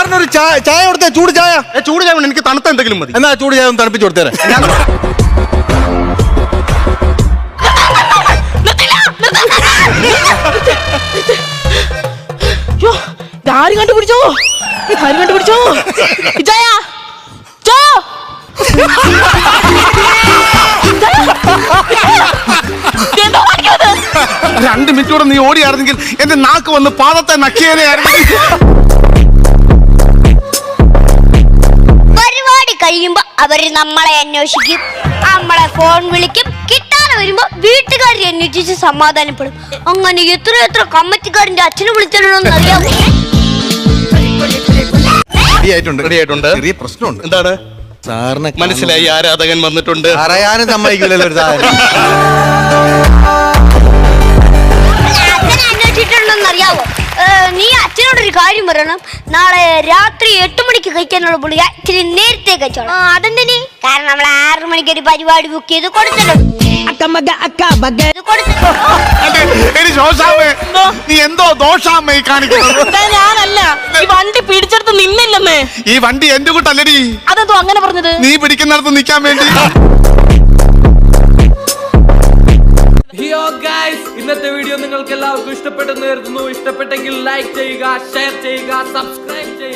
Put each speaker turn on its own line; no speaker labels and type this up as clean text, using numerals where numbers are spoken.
സാറിനൊരു ചായ കൊടുത്തേ, ചൂട് ചായ.
ചൂട് ചായ എനിക്ക് തണുത്ത എന്തെങ്കിലും മതി.
എന്നാ ചൂട് ചായ ഒന്ന് തണുപ്പിച്ച് കൊടുത്തേരെ.
ആരും കണ്ടുപിടിച്ചോ, ആരും കണ്ടുപിടിച്ചോ. ചായ ചായ
2 മിനിറ്റോടെ നീ ഓടിയായിരുന്നെങ്കിൽ എന്റെ നാക്ക് വന്ന് പാദത്തെ നക്കിയേനെയായിരുന്നെങ്കിൽ.
പരിപാടി കഴിയുമ്പോ അവര് നമ്മളെ അന്വേഷിക്കും, നമ്മളെ ഫോൺ വിളിക്കും, കിട്ടാതെ വരുമ്പോ വീട്ടുകാരെ അന്വേഷിച്ച് സമാധാനപ്പെടും. അങ്ങനെ എത്ര കമ്മിറ്റിക്കാരന്റെ അച്ഛനെ വിളിച്ചിട്ടുണ്ടോന്ന് അറിയാമോ?
ചെറിയ പ്രശ്നമുണ്ട്.
എന്താണ്?
സാറിനെ
മനസ്സിലായി, ആരാധകൻ വന്നിട്ടുണ്ട്.
അറിയാനും സമ്മതിക്കില്ലല്ലോ ഒരു സാധനം.
അച്ഛനെ അന്വേഷിച്ചിട്ടുണ്ടോന്ന് അറിയാവോ? നീ അച്ഛനോടൊരു കാര്യം പറയണം. നാളെ രാത്രി 8 മണിക്ക് കഴിക്കാനുള്ള പുള്ളിക ഇച്ചിരി നേരത്തെ കഴിച്ചോളാം. അതെന്തിനി? കാരണം നമ്മൾ 6 മണിക്ക് ഒരു പരിപാടി ബുക്ക് ചെയ്ത് കൊടുത്തിട്ടുണ്ട്.
നീ എന്തോ ദോഷാമ്മ കാണിക്കുന്നത്?
ഞാനല്ല, ഈ വണ്ടി പിടിച്ചെടുത്ത് നിന്നില്ലെന്നേ.
ഈ വണ്ടി എന്റെ കൂട്ടല്ലടി.
അതെന്തോ അങ്ങനെ പറഞ്ഞത്?
നീ പിടിക്കുന്നിടത്ത് നിൽക്കാൻ വേണ്ടി.
ഇന്നത്തെ വീഡിയോ നിങ്ങൾക്ക് എല്ലാവർക്കും ഇഷ്ടപ്പെട്ടെന്ന് കരുതുന്നു. ഇഷ്ടപ്പെട്ടെങ്കിൽ ലൈക്ക് ചെയ്യുക, ഷെയർ ചെയ്യുക, സബ്സ്ക്രൈബ് ചെയ്യുക.